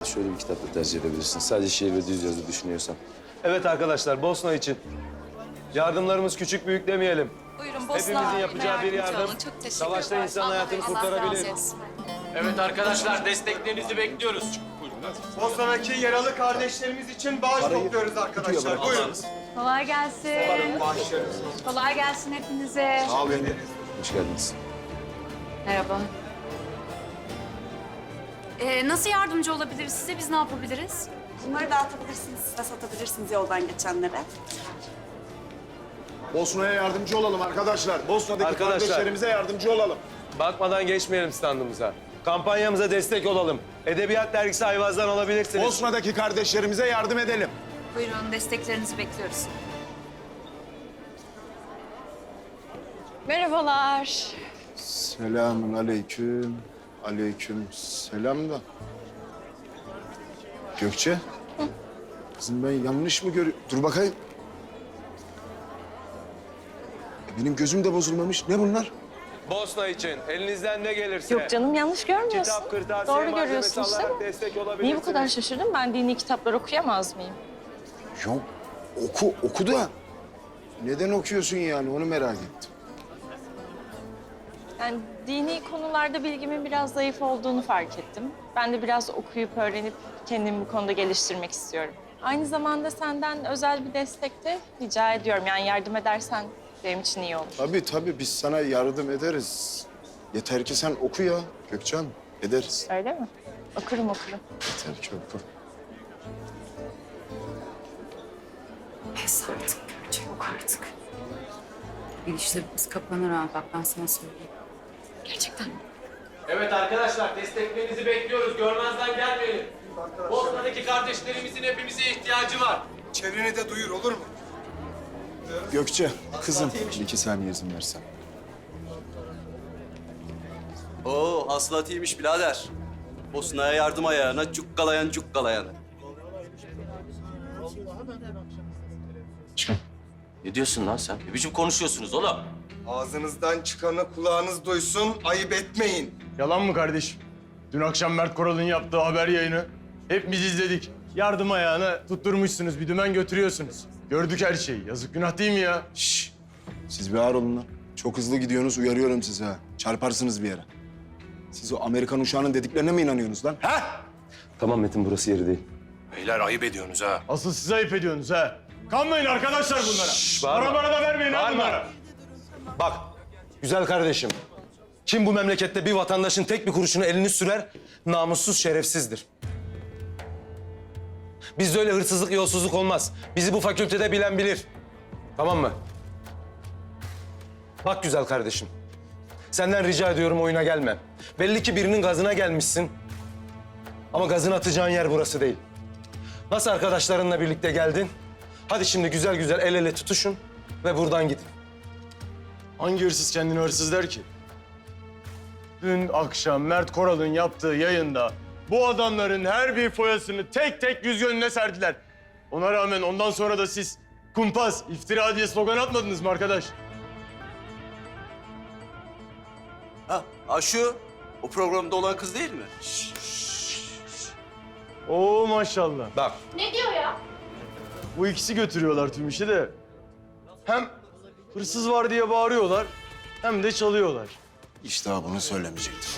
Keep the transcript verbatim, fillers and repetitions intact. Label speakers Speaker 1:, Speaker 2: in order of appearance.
Speaker 1: şöyle bir kitap da tercih edebilirsin. Sadece şiir ve düz yazı düşünüyorsan.
Speaker 2: Evet arkadaşlar, Bosna için. Yardımlarımız küçük büyük demeyelim.
Speaker 3: Buyurun Bosna
Speaker 2: Hepimizin yapacağı bir
Speaker 3: yardımcı
Speaker 2: yardım,
Speaker 3: olun. Çok teşekkür
Speaker 2: savaşta
Speaker 3: ederim.
Speaker 2: insan
Speaker 3: Allah
Speaker 2: hayatını
Speaker 3: Allah
Speaker 2: kurtarabilir.
Speaker 3: razı olsun.
Speaker 4: Evet arkadaşlar, desteklerinizi bekliyoruz.
Speaker 5: Bosna'daki yaralı kardeşlerimiz için bağış topluyoruz arkadaşlar. Buyurun.
Speaker 6: Kolay gelsin.
Speaker 5: Bağışlarız.
Speaker 6: Kolay gelsin hepinize.
Speaker 5: Sağ olun.
Speaker 1: Hoş geldiniz.
Speaker 6: Merhaba.
Speaker 3: Ee, nasıl yardımcı olabiliriz size? Biz ne yapabiliriz?
Speaker 7: Bunları dağıtabilirsiniz, size satabilirsiniz yoldan geçenlere.
Speaker 8: Bosna'ya yardımcı olalım arkadaşlar. Bosna'daki
Speaker 2: Arkadaşlar.
Speaker 8: kardeşlerimize yardımcı olalım.
Speaker 2: Bakmadan geçmeyelim standımıza. Kampanyamıza destek olalım. Edebiyat dergisi Ayvaz'dan alabilirsiniz.
Speaker 8: Bosna'daki kardeşlerimize yardım edelim.
Speaker 3: Buyurun desteklerinizi bekliyoruz.
Speaker 6: Merhabalar.
Speaker 8: Selamun aleyküm. Aleyküm selam da. Gökçe. Kızım ben yanlış mı görüyorum? Dur bakayım. E, Benim gözüm de bozulmamış. Ne bunlar?
Speaker 2: Bosna için elinizden ne gelirse.
Speaker 6: Yok canım yanlış görmüyorsun.
Speaker 2: Kitap, kırtasiye,
Speaker 6: Doğru
Speaker 2: malzemesi
Speaker 6: görüyorsun işte.
Speaker 2: alarak destek olabilirsiniz.
Speaker 6: Niye bu kadar şaşırdın? Ben dini kitaplar okuyamaz mıyım?
Speaker 8: Yok. Oku, oku da. Neden okuyorsun yani? Onu merak ettim.
Speaker 6: Yani dini konularda bilgimin biraz zayıf olduğunu fark ettim. Ben de biraz okuyup öğrenip kendimi bu konuda geliştirmek istiyorum. Aynı zamanda senden özel bir destek de rica ediyorum. Yani yardım edersen benim için iyi olur.
Speaker 8: Tabii tabii biz sana yardım ederiz. Yeter ki sen oku ya Gökçen. Ederiz.
Speaker 6: Öyle mi? Okurum okurum.
Speaker 8: Yeter ki oku.
Speaker 9: Pes artık Gökçe, yok artık. Bir işlerimiz kapanır ha, bak ben sana söyleyeyim.
Speaker 6: Gerçekten mi?
Speaker 4: Evet arkadaşlar, desteklerinizi bekliyoruz. Görmezden gelmeyin. Bosna'daki kardeşlerimizin hepimize ihtiyacı var.
Speaker 5: Çevreni de duyur olur mu?
Speaker 8: Gökçe, kızım bir iki saniye izin versen.
Speaker 10: Oo, hasılat iyiymiş birader. Bosna'ya yardım ayağına, cukkalayan cukkalayanı.
Speaker 4: Ne diyorsun lan sen? Ne biçim konuşuyorsunuz oğlum?
Speaker 5: Ağzınızdan çıkanı kulağınız duysun, ayıp etmeyin.
Speaker 11: Yalan mı kardeşim? Dün akşam Mert Koral'ın yaptığı haber yayını hepimiz izledik. Yardım ayağına tutturmuşsunuz, bir dümen götürüyorsunuz. Gördük her şeyi. Yazık günah değil mi ya?
Speaker 8: Şşş, siz bir ağır olun lan. Çok hızlı gidiyorsunuz, uyarıyorum sizi ha. Çarparsınız bir yere. Siz o Amerikan uşağının dediklerine mi inanıyorsunuz lan? Ha?
Speaker 1: Tamam Metin, burası yeri değil.
Speaker 11: Beyler ayıp ediyorsunuz ha. Asıl siz ayıp ediyorsunuz ha. Kanmayın arkadaşlar bunlara.
Speaker 2: bağırma.
Speaker 11: Para bana da vermeyin ha
Speaker 2: Bağırma.
Speaker 11: bunlara.
Speaker 2: Bak, güzel kardeşim. Kim bu memlekette bir vatandaşın tek bir kuruşunu elini sürer, namussuz, şerefsizdir. Bizde öyle hırsızlık, yolsuzluk olmaz. Bizi bu fakültede bilen bilir. Tamam mı? Bak güzel kardeşim. Senden rica ediyorum oyuna gelme. Belli ki birinin gazına gelmişsin. Ama gazını atacağın yer burası değil. Nasıl arkadaşlarınla birlikte geldin? Hadi şimdi güzel güzel el ele tutuşun ve buradan gidin.
Speaker 11: Hangi hırsız kendini hırsız der ki? Dün akşam Mert Koral'ın yaptığı yayında bu adamların her bir foyasını tek tek yüz önüne serdiler. Ona rağmen ondan sonra da siz kumpas, iftira diye slogan atmadınız mı arkadaş?
Speaker 10: Ha, ha şu, o programda olan kız değil mi?
Speaker 11: Oo maşallah.
Speaker 2: Bak.
Speaker 11: Bu ikisi götürüyorlar tüm işi de. Hem hırsız var diye bağırıyorlar hem de çalıyorlar.
Speaker 8: İşte ha, bunu söylemeyecektim.